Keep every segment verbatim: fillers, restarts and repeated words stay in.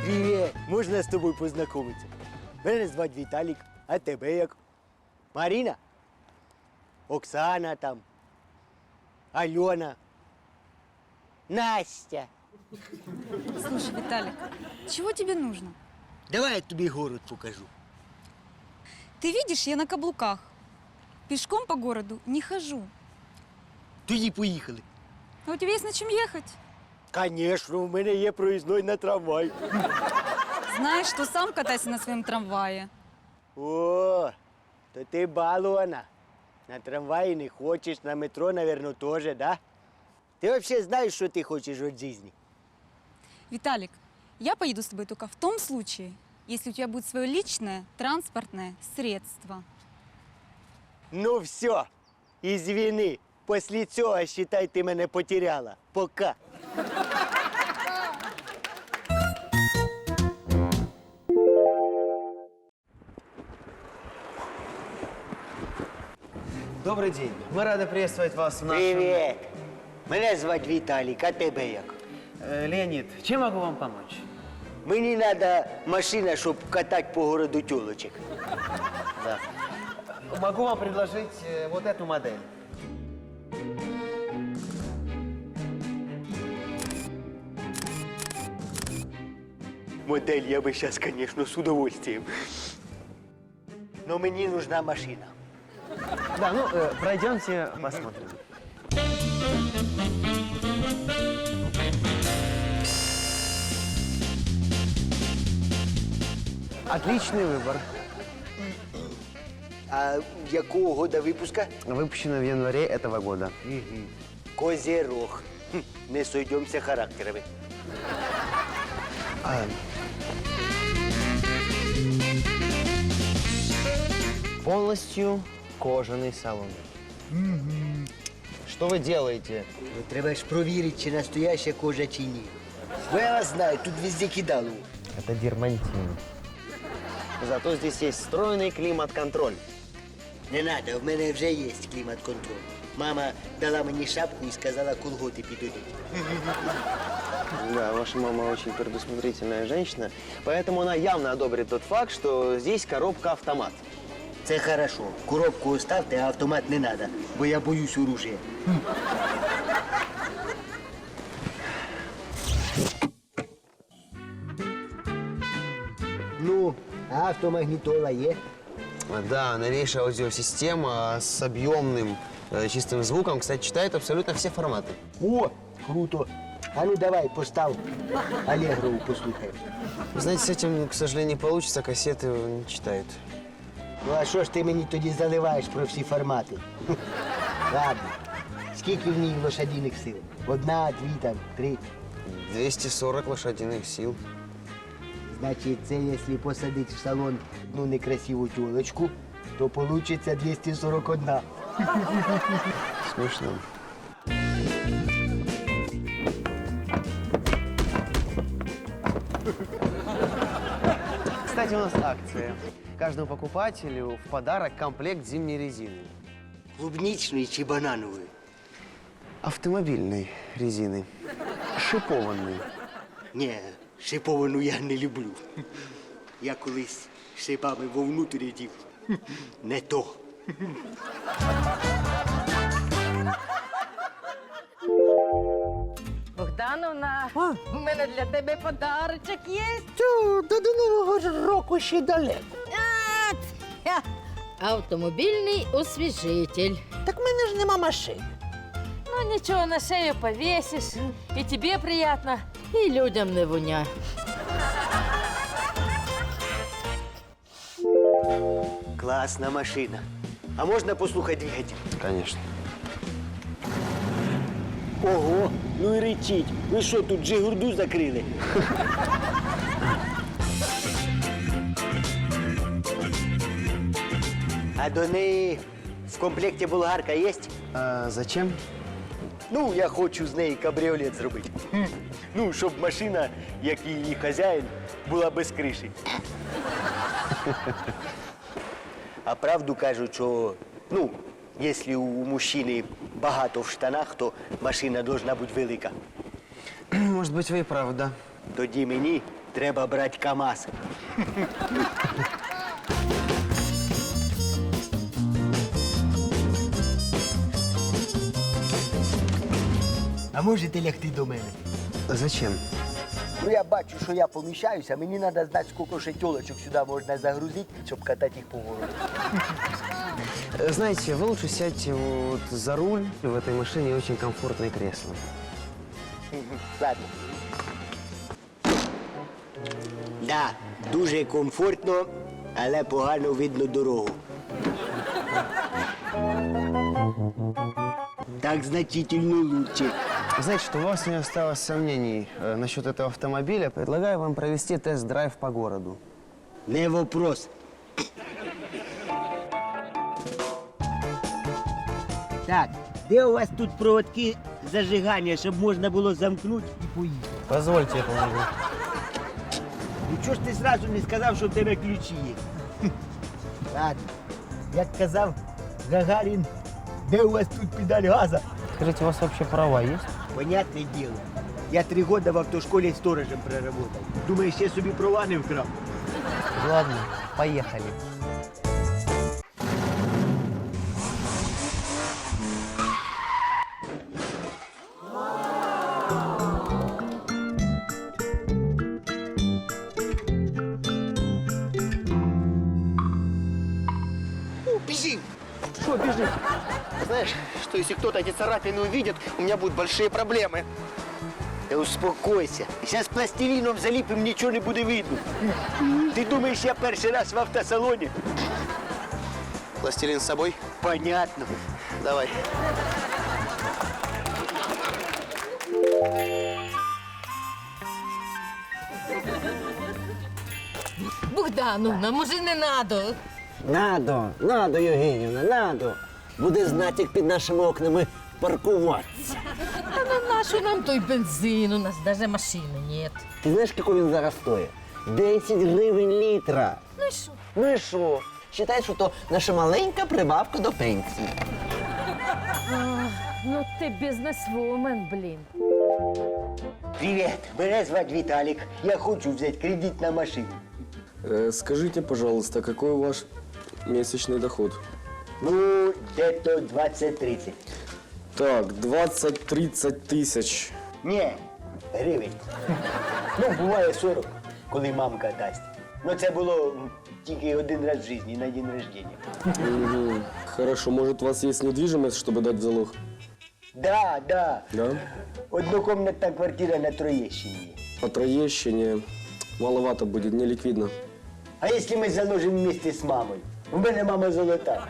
Привіт! Можна з тобою познайомитися? Мене звати Віталік, а тебе як? Маріна? Оксана там. Альона. Настя. Слушай, Виталик, чего тебе нужно? Давай я тобі город покажу. Ты видишь, я на каблуках. Пешком по городу не хожу. Тоді поїхали. А у тебя есть на чем ехать? Звісно, в мене є проїзной на трамвай. Знаешь, что сам катайся на своем трамвае. О, то ти балована. На трамваї не хочеш, на метро, мабуть, теж, да? Ти взагалі знаєш, що ти хочеш від життя? Виталик, я поеду с тобой только в том случае, если у тебя будет свое личное транспортное средство. Ну все, извини. Після цього, считай, ти мене потеряла. Пока. Добрый день. Мы рады приветствовать вас в нашем... Привіт. Мене звати Віталік, а тебе як? Э, Леонид, чем могу вам помочь? Мені треба машина, щоб катати по городу тюлочек. Да. Могу вам предложить э, вот эту модель. Модель я би зараз, звісно, з удовольствием. Но мені нужна машина. Да, ну, э, пройдемте, посмотрим. Отличный выбор. А якого года випуска? Выпущено в январе этого года. Козерог. Хм, не сойдемося характерами. А, полностью кожаный салон. Что вы делаете? Ну, треба ж провірити, чи настояща кожа, чи ні. Бо я вас знаю, тут везде кидало. Это дермантин. Зато здесь есть встроенный климат-контроль. Не надо, в мене вже є клімат-контроль. Мама дала мені шапку і сказала, колготи підійдуть. Да, ваша мама очень предусмотрительная женщина, поэтому она явно одобрит тот факт, что здесь коробка-автомат. Це хорошо. Коробку оставте, а автомат не надо, бо я боюсь оружия. Ну, а автомагнітола є? Да, новейшая аудиосистема с объемным э, чистым звуком, кстати, читает абсолютно все форматы. О, круто. А ну давай, постав Аллегрову послухаємо. Вы знаете, с этим, к сожалению, не получится, кассеты не читают. Ну а що ж ти мені тоді заливаєш про всі формати? Хм. Ладно. Скільки в ній лошадиних сил? Одна, дві, там, три. двести сорок лошадиных сил. Значить, це якщо посадити в салон одну некрасиву тілочку, то вийде двісті сорок один. Смешно. Кстати, у нас акция. Каждому покупателю в подарок комплект зимней резины. Клубничної чи бананової? Автомобильной резины. Шипованной. Ні, шиповану я не люблю. Я колись шипами вовнутрь дів. Не то. Богдановна, у мене для тебе подарочок є. Тю, та до Нового ж року ще далеко. А, ця. Автомобільний освіжитель. Так в мене ж нема машини. Ну нічого, на шею повісиш, і тобі приємно, і людям не воня. Класна машина. А можна послухати двигатель? Конечно. Ого, ну і речить. Ви що, тут Джигурду закрили? А до неї в комплекті болгарка є? А зачем? Ну, я хочу з неї кабріолет зробити. Хм. Ну, щоб машина, як і її хазяїн, була без криші. А правду кажуть, що, ну, якщо у мужчини багато в штанах, то машина повинна бути велика. Может быть, вы и правы, да. Тоді мені треба брати КАМАЗ. А можете лягти до мене? Зачем? Ну я бачу, що я поміщаюся, мені треба знати, скільки ще тілочок сюди можна загрузити, щоб катати їх по городу. Э, Знаете, вы лучше сядьте вот за руль. В этой машине очень комфортное кресло. Ладно. Да, дуже комфортно, але погано видно дорогу. Так значительно лучше. Знаете, что у вас не осталось сомнений э, насчет этого автомобиля, предлагаю вам провести тест-драйв по городу. Не вопрос. Так, де у вас тут проводки зажигання, щоб можна було замкнути і поїхати? Позвольте, я помогу. Ну чого ж ти зразу не сказав, що в тебе ключі є? Хм. Ладно, як казав Гагарін, де у вас тут педаль газа? Скажите, у вас вообще права есть? Понятне діло. Я три роки в автошколі сторожем проработав. Думаєш, я собі права не вкрав? Ладно, поехали. Бежим! Что бежишь? Знаешь, что если кто-то эти царапины увидит, у меня будут большие проблемы. Та успокойся. Зараз пластиліном заліпим, нічого не буде видно. Ти думаєш, я перший раз в автосалоні? Пластилин с собой? Понятно. Давай. Богдановна, може не надо? Надо, надо, Євгенівна, надо. Буде знати, як під нашими окнами паркуватися. Та на нашу нам той бензин, у нас даже машини нет. Ти знаєш, скільки він зараз стоїть? десять гривень літра. Ну і що? Ну і що? Считай, що то наша маленька прибавка до пенсії. Ну ти бізнесвумен, блін. Привіт, мене звати Віталік. Я хочу взяти кредит на машину. Э, Скажите, пожалуйста, какой ваш месячный доход? Ну, де-то двадцять-тридцять. Так, двадцать-тридцать тысяч. Ні, гривень. Ну, буває сорок, коли мамка дасть. Ну, це було м, тільки один раз в житті, на день рождения. Мгм. Хорошо, может, у вас есть недвижимость, чтобы дать в залог? Да, да. Да? Однокомнатна квартира на Троєщині. По Троещине маловато будет, не ликвидно. А якщо ми заложимо вместе з мамою? У мене мама золота.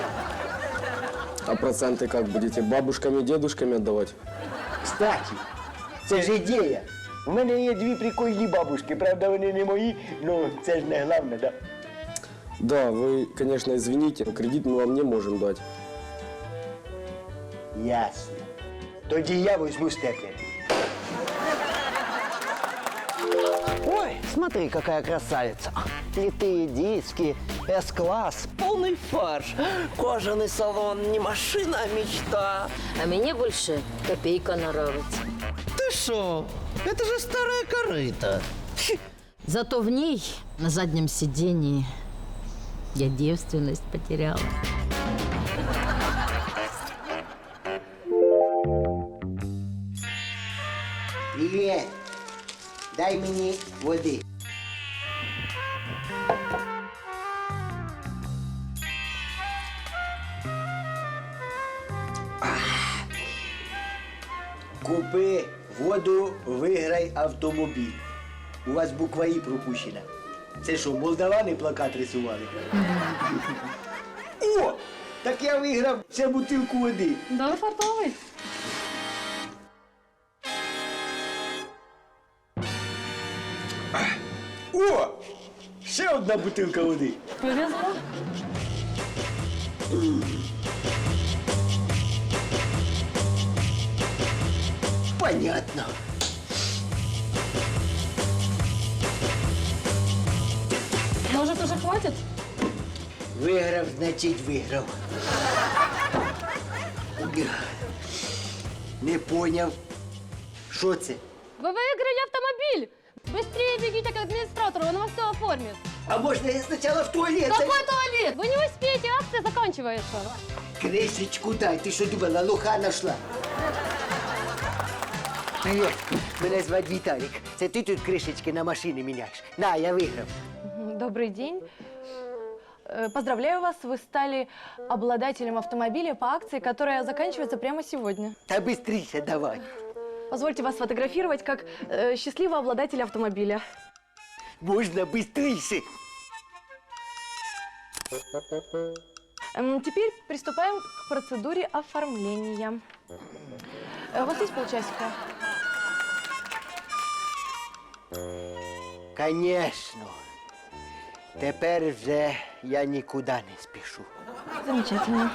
А проценты как будете? Бабушками, дедушками отдавать? Кстати, це ж ідея. У мене є дві прикольні бабушки, правда, вони не мої, ну це ж не головне, да? Да, вы, конечно, извините, но кредит мы вам не можем дать. Ясно. Тоді я візьму степлер. Ой, смотри, какая красавица. Литые диски, С-класс, полный фарш. Кожаный салон, не машина, а мечта. А мені більше копійка нравиться. Ты шо? Это же старая корыта. Зато в ней, на заднем сидении, я девственность потеряла. Привіт. Дай мені води. Купи воду, виграй автомобіль. У вас буква І пропущена. Це що, молдавани плакат рисували? О! Так я виграв ще бутилку води. Да, фартовый. О! Ще одна бутилка води. Повезло. Понятно. Может, уже хватит? Виграв, значить виграв. Не поняв. Що це? Ви виграли автомобіль! Быстрее бегите к администратору, он вам все оформит. А можно я сначала в туалет? Какой туалет? Вы не успеете, акция заканчивается. Кришечку дай, ти що думала, лоха нашла? Привіт, мене звати Віталік. Це ти тут кришечки на машини міняєш? На, я виграв. Добрый день. Э, Поздравляю вас, вы стали обладателем автомобиля по акции, которая заканчивается прямо сегодня. Та бистріше давай. Позвольте вас сфотографировать как э, счастливого обладателя автомобиля. Можна бистріше. Эм, Теперь приступаем к процедуре оформления. Э, У вас есть полчасика? Конечно. Тепер вже я нікуди не спішу. Замечательно.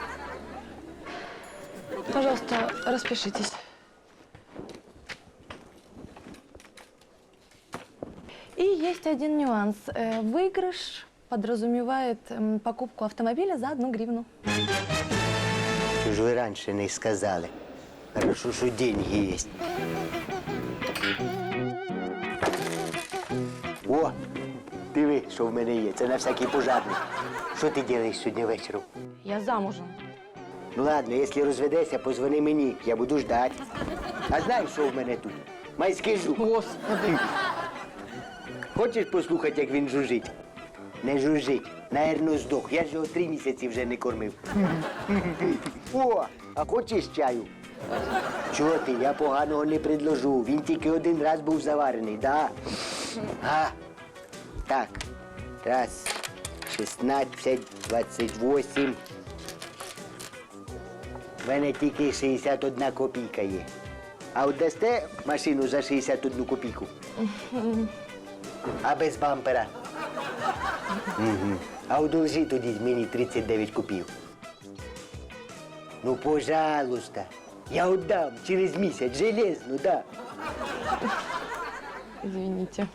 Пожалуйста, распишитесь. И есть один нюанс. Э, Выигрыш подразумевает м, покупку автомобиля за одну гривну. Що ж ви раніше не сказали? Хорошо, що деньги є. О, диви, що в мене є. Це на всякий пожарний. Що ти робиш сьогодні вечором? Я замужем. Ну ладно, якщо розведешся, позвони мені, я буду ждати. А знаєш, що в мене тут? Майський жук. Господи. Хочеш послухати, як він жужжить? Не жужжить. Наверно, здох. Я ж його три місяці вже не кормив. О, а хочеш чаю? Чого ти? Я поганого не предложу. Він тільки один раз був заварений, да? А? Так. Раз, шістнадцять, двадцять вісім. В мене тільки шістдесят одна копійка є. А от дасте машину за шістдесят одну копійку? А без бампера? Угу. А одолжи тоді мені тридцять дев'ять копійок. Ну, пожалуйста. Я отдам через місяць, железно, да. Извините.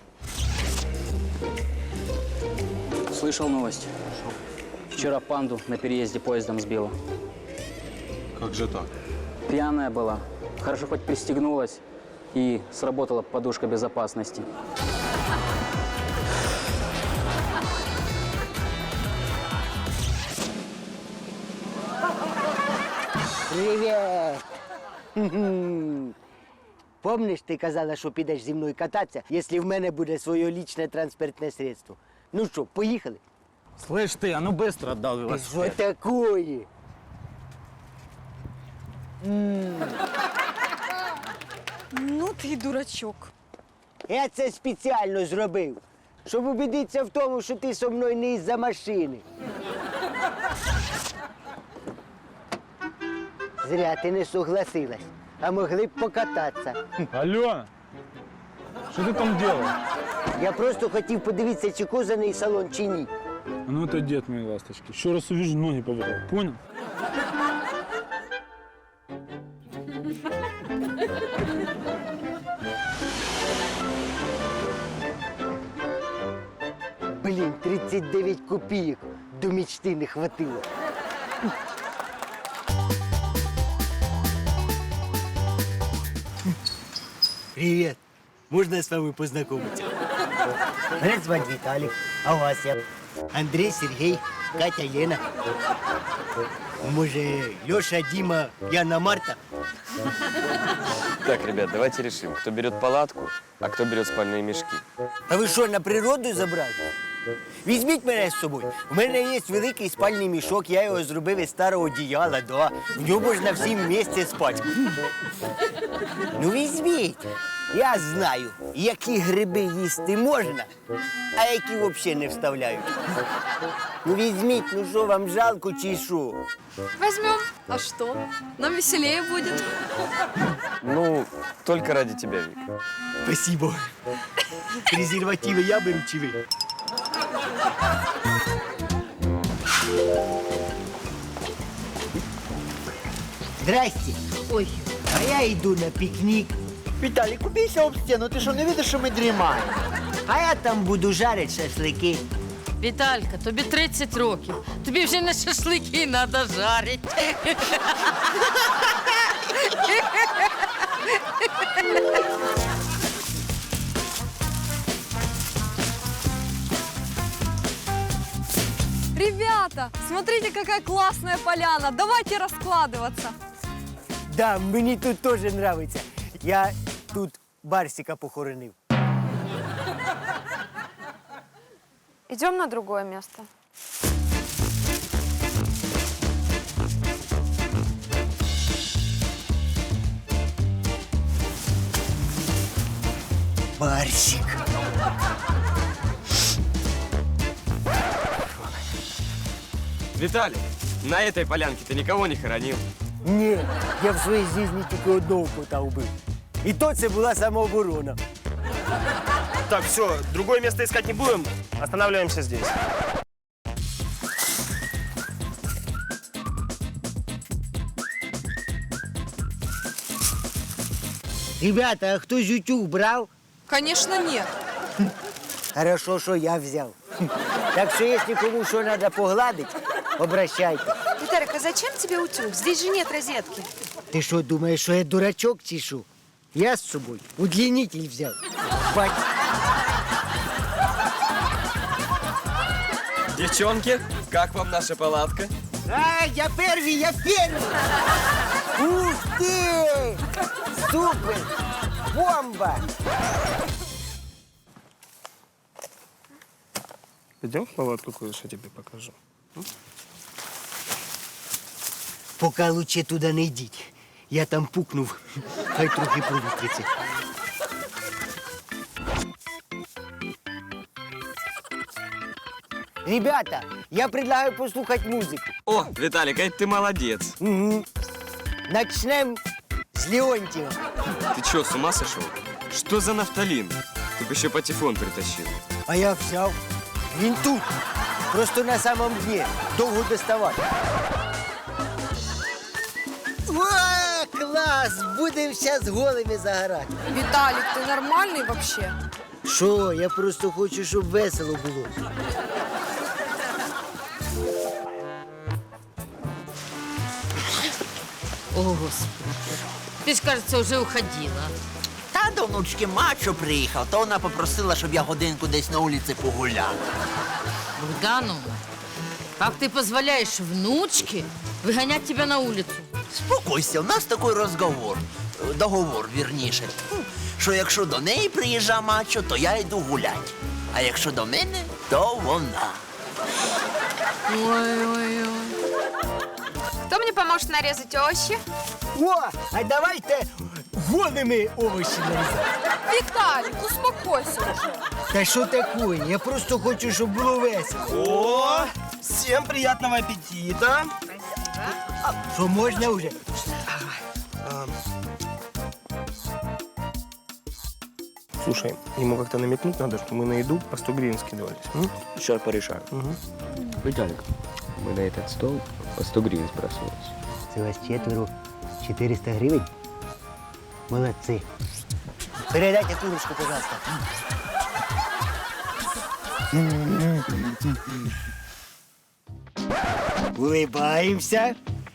Слышал новость. Вчера панду на переезде поездом сбила. Как же так? Пьяная была. Хорошо хоть пристегнулась и сработала подушка безопасности. Привіт! Хм-хм. Помниш, ти казала, що підеш зі мною кататися, якщо в мене буде своє лічне транспортне средство? Ну що, поїхали? Слышь ты, а ну быстро отдал Що велосипед. такое? Ну ты и дурачок. Я це спеціально зробив, щоб убедитися в тому, що ти зі мною не із-за машини. Зря ти не согласилась, а могли б покататися. Алена, что ты там делаешь? Я просто хотів подивитися, чи козаний салон, чи ні. А ну отойди от моей ласточки. Еще раз увижу, ноги повыдал. Понял? Блін, тридцять дев'ять копійок до мечти не хватило. Привіт. Можна з вами познайомитися? Мене звати Віталік, а вас я? Андрій, Сергій, Катя, Лена. Може, Льоша, Діма, Яна, Марта? Так, ребят, давайте решим, кто берет палатку, а кто берет спальные мешки. А ви що, на природу забрали? Візьміть мене з собою. У мене є великий спальний мішок, я його зробив із старого одіяла, да. В ньому можна всім вместе спати. Ну візьміть. Я знаю, які гриби їсти можна, а які взагалі не вставляють. Ну візьміть, ну що, вам жалко чи що? Возьмем. А что? Нам веселее будет. Ну, только ради тебя, Вик. Спасибо. Презервативи я беру чи ви? Здрасте. Ой. А я йду на пікнік. Віталік, убійся об стіну, ти що, не видиш, що ми дрімаємо? А я там буду жарити шашлики. Віталька, тобі тридцять років. Тобі вже не шашлики треба жарити. Ребята, смотрите, какая классная поляна. Давайте раскладываться. Да, мені тут теж нравиться. Я тут Барсика похоронив. Идем на другое место. Барсик. Виталий, на этой полянке ты никого не хоронил? Ні, я в своїй житті тільки одного кота вбив. І то це була самооборона. Так, все, другое место искать не будем. Останавливаемся здесь. Ребята, а хтось утюг брав? Конечно, нет. Хорошо, що я взяв. Так що, якщо кому що треба погладити, обращайте. Виталик, а зачем тебе утюг? Здесь же нет розетки. Ти що, думаєш, що я дурачок чи що? Я з собою удлінитель взяв. Бать. Девчонки, как вам наша палатка? А, я первый, я первый! Ух ты! Супер! Бомба! Идем в палатку, кое-что тебе покажу. Поки лучше туди не йдіть. Я там пукнув, хай трохи провітриться. Ребята, я предлагаю послухати музику. О, Виталик, а ты молодец. Угу. Начнем с Леонтьева. Ты что, с ума сошел? Что за нафталин? Ты бы еще патефон притащил. А я взяв. Він тут. Просто на самом дне. Довго доставати. О, клас! Будемо зараз голими загорати. Виталик, ты нормальный вообще? Що? Я просто хочу, щоб весело було. О, Господи. Ты ж, кажется, уже уходила. Та до внучки мачо приїхав, то вона попросила, щоб я годинку десь на вулиці погуляв. Богдановна, как ты позволяешь внучке выгонять тебя на улицу? Спокойся, у нас такий розговор, е, договор, вірніше, що якщо до неї приїжджа мачо, то я йду гулять. А якщо до мене, то вона. Ой-ой-ой. Кто мне поможет нарезать овощи? О, а давайте голими овочі нарізати. Виталик, успокойся уже. Та що таке? Я просто хочу, щоб було весело. О, всем приятного аппетита. Що можна вже? Слушай, ему как-то намекнуть надо, что мы на еду по сто гривен скидывались. М? Сейчас порешаю. Угу. Виталик, мы на этот стол по сто гривен сбрасывались. Це вас четверо, чотириста гривень? Молодці. Передайте курочку, пожалуйста. Улыбаемся.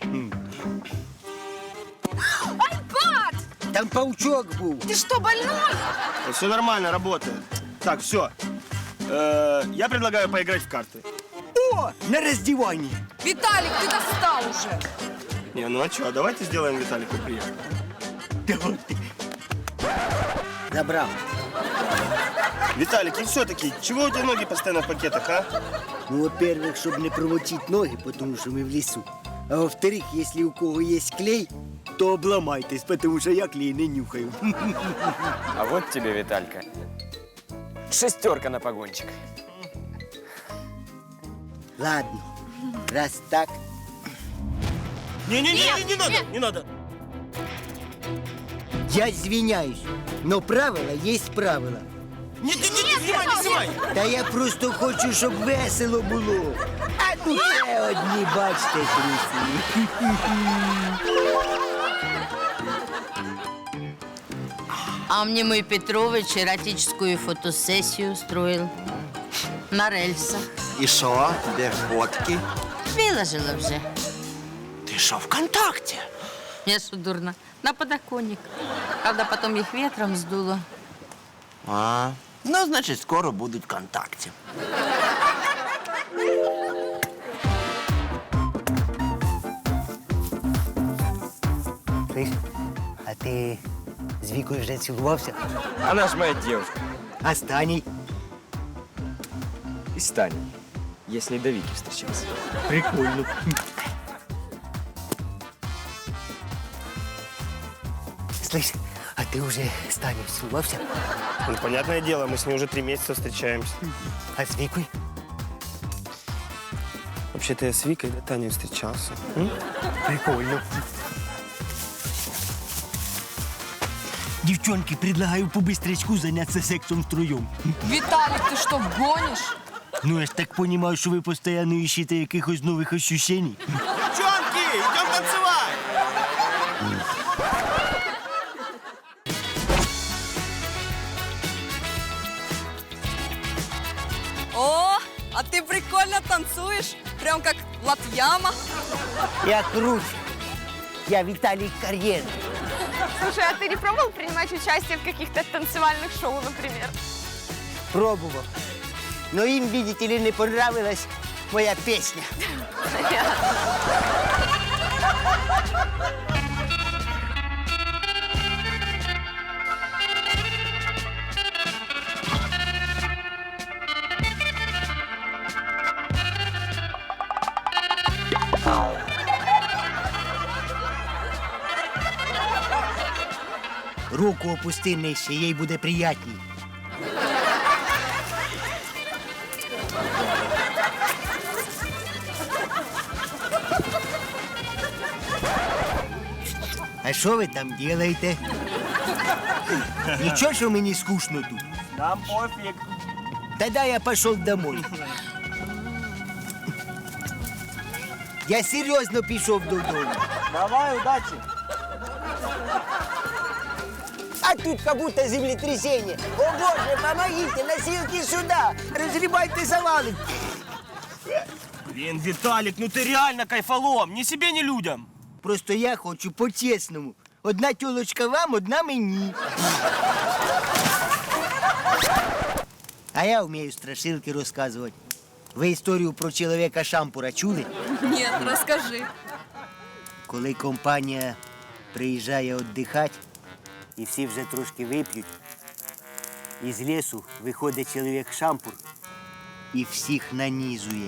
Айпад! Там паучок був. Ты что, больной? Все нормально, работает. Так, все. Я предлагаю поиграть в карты. О, на роздіванні. Виталик, ты достал уже. Не, ну а что, давайте сделаем Виталику приятно. Давайте. Забрав. Виталик, и все-таки, чего у тебя ноги постоянно в пакетах, а? Ну, во-первых, щоб не промочити ноги, тому що ми в лісу. А во-вторых, якщо у кого є клей, то обламайтесь, тому що я клей не нюхаю. А вот тебе, Виталька, шестерка на погончик. Ладно, раз так. Не-не-не, не надо, не надо. Я извиняюсь, но правила есть правила. Нет, нет, нет, не снимай, не снимай. Та я просто хочу, щоб весело було. А ну це одні, бачите, трусі. А мне мой Петрович эротическую фотосессию устроил на рельсах. І що? Де фотки? Выложила уже. Ти що, ВКонтакте? Я что, дурно? На подоконник. Правда, потом их ветром сдуло. А, ну, значить, скоро будуть ВКонтакте. Слышь, а ти з Вікою вже цілувався? Она ж моя девушка. А з Таней? И с Таней. Я с ней до Вики встречался. Прикольно. Слышь, а ти вже з Таней цілувався? Ну, понятное дело, мы с ней уже три месяца встречаемся. А з Вікою? Вообще-то я с Викой до Таней встречался. М? Прикольно. Девчонки, предлагаю по быстрячку заняться сексом втроем. Виталик, ты что, гонишь? Ну, я ж так понимаю, що ви постійно ищете якихось нових ощущений. Девчонки, идем танцевать! О, а ты прикольно танцуешь, прям как Латьяма. Я круче. Я Виталий Карьер. Слушай, а ты не пробовал принимать участие в каких-то танцевальных шоу, например? Пробував. Но їм, видите ли, не понравилась моя песня. Руку опусти нижче, їй буде приятній. А що ви там робите? Нічого, що мені скучно тут? Нам пофиг. Тогда я пошел домой. Я серьезно пішов додому. Давай, удачи. А тут как будто землетрясение. О боже, помогите, носилки сюда. Разгребайте завалы. Блин, Виталик, ну ты реально кайфолом. Ни себе, ни людям. Просто я хочу по-чесному. Одна тёлочка вам, одна мені. А я вмію страшилки розказувати. Ви історію про чоловіка Шампура чули? Нет, расскажи. Коли компанія приїжджає віддихати, і всі вже трошки вип'ють, із лісу виходить чоловік Шампур і всіх нанізує.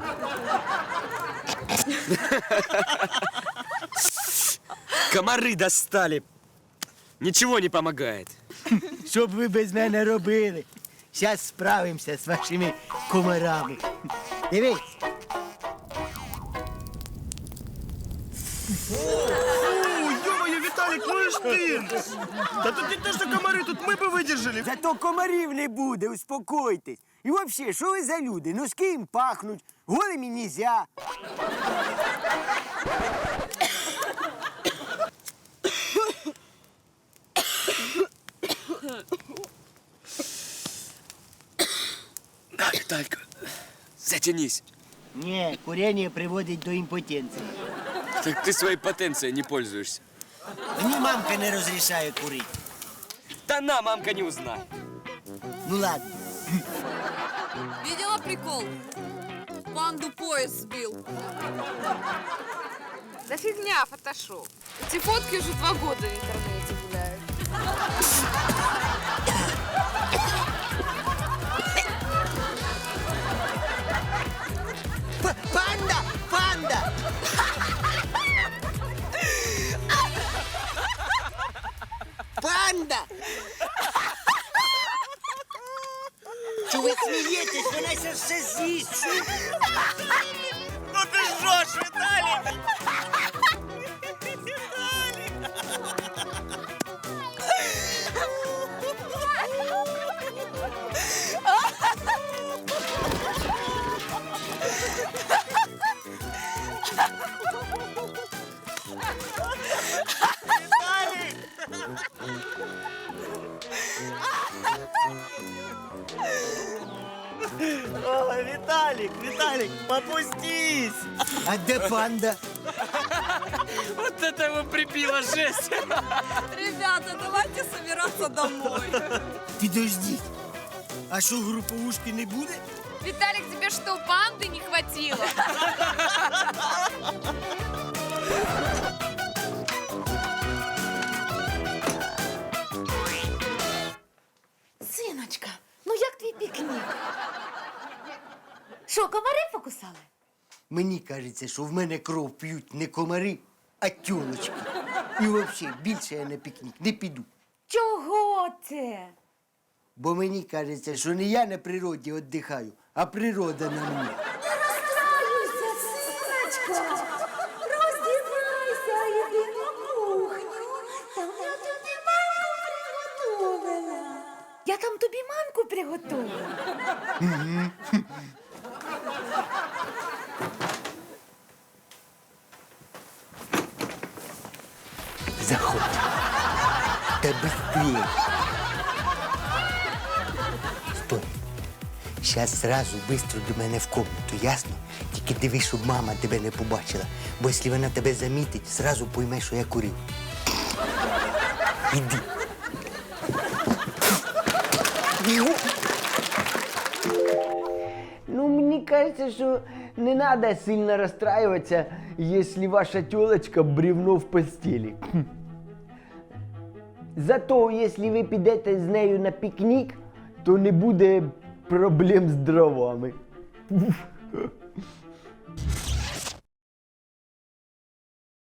Комары достали. Ничего не помогает. Що б ви без мене робили? Зараз справимося з вашими комарами. Дивись. Ё-моё, Виталик, ну и ж ты! Да тут не то, что комары, тут мы бы выдержали. Зато комарів не буде, успокойтесь. І взагалі, що ви за люди? Носки їм пахнуть, голими нельзя. Виталька, затянись. Ні, курення приводить до імпотенції. Так ты своей потенцией не пользуешься. Мені мамка не розрішає курити. Да на, мамка не узнает. Ну ладно. Видела прикол? Панду поезд сбил. Да фигня, фотошоп. Эти фотки уже два года в интернете гуляют. П- Панда! Панда! Панда! Чого ви смієтесь? Вона ся все з'їсть. Що? Ну ты жжешь, Виталик! Ой, Виталик, Виталик, попустись! А де панда? Вот это его прибило, жесть. Ребята, давайте собираться домой. Підождіть. А що, груповушки не буде? Виталик, тебе что, панды не хватило? Що, комари покусали? Мені кажеться, що в мене кров п'ють не комари, а тюлочки. І взагалі більше я на пікнік не піду. Чого це? Бо мені кажеться, що не я на природі віддихаю, а природа на мені. Не розстраюйся, синочко. Роздівайся, іди на кухню. Там я тобі манку приготувала. Я там тобі манку приготувала. Заходь. Та быстрее. Стой. Сейчас сразу быстро до мене в комнату, ясно? Тільки дивись, щоб мама тебе не побачила. Бо якщо вона тебе замітить, сразу пойме, що я курив. Іди. Ну, мені кажется, що не надо сильно расстраиваться, если ваша тёлочка бревно в постели. Зато, если ви підете з нею на пікнік, то не буде проблем з дровами.